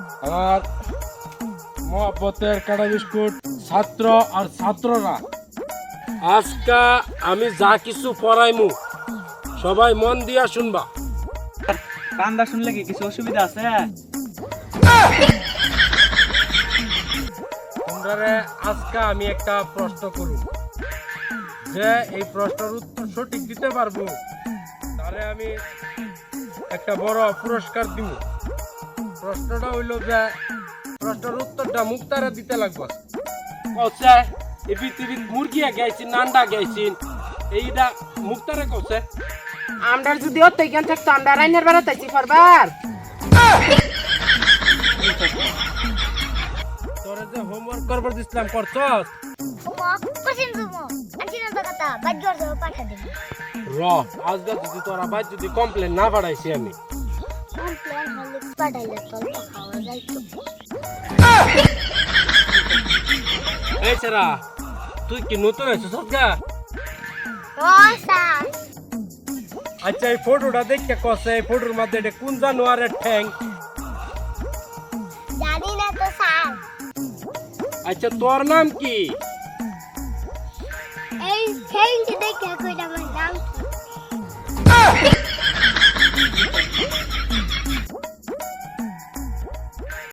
আমার মহব্বতের কাটা বিস্কুট ছাত্র আর ছাত্ররা, আজকা আমি যা কিছু পড়াইমু সবাই মন দিয়া শুনবা। কান্দা শুনলে কি কিছু অসুবিধা আছে? তোমরা আজকে আমি একটা প্রশ্ন করব, যে এই প্রশ্নের উত্তর সঠিক দিতে পারবো তাহলে আমি একটা বড় পুরস্কার দিব। প্রশ্নটা হইল যে প্রশ্নের উত্তরটা মুক্তারে দিতে লাগবে। কচ্ছে এই পৃথিবীর মুরগিয়া গাইছি, নান্ডা গাইছি, এইটা মুক্তারে কচ্ছে। আমরা যদি অত জ্ঞান থাকতো আমরা রাইনের বেড়া তাইছি পারবার। তোরে যে হোমওয়ার্ক করবার দিছিলাম করছস? র আজকে যদি তোরা বাইর যদি কমপ্লেন না পাঠাইছি আমি। এই সেরা, তুই কি নতুন আছিস গা? আচ্ছা এই ফটোটা দেখতে কছে, এই ফটোর মধ্যে এটা কোন জানোয়ারের ঠ্যাং? জানি না তো স্যার। আচ্ছা তোর নাম কি? এই ঠ্যাংটি দেখে কইটা আমার নাম কি?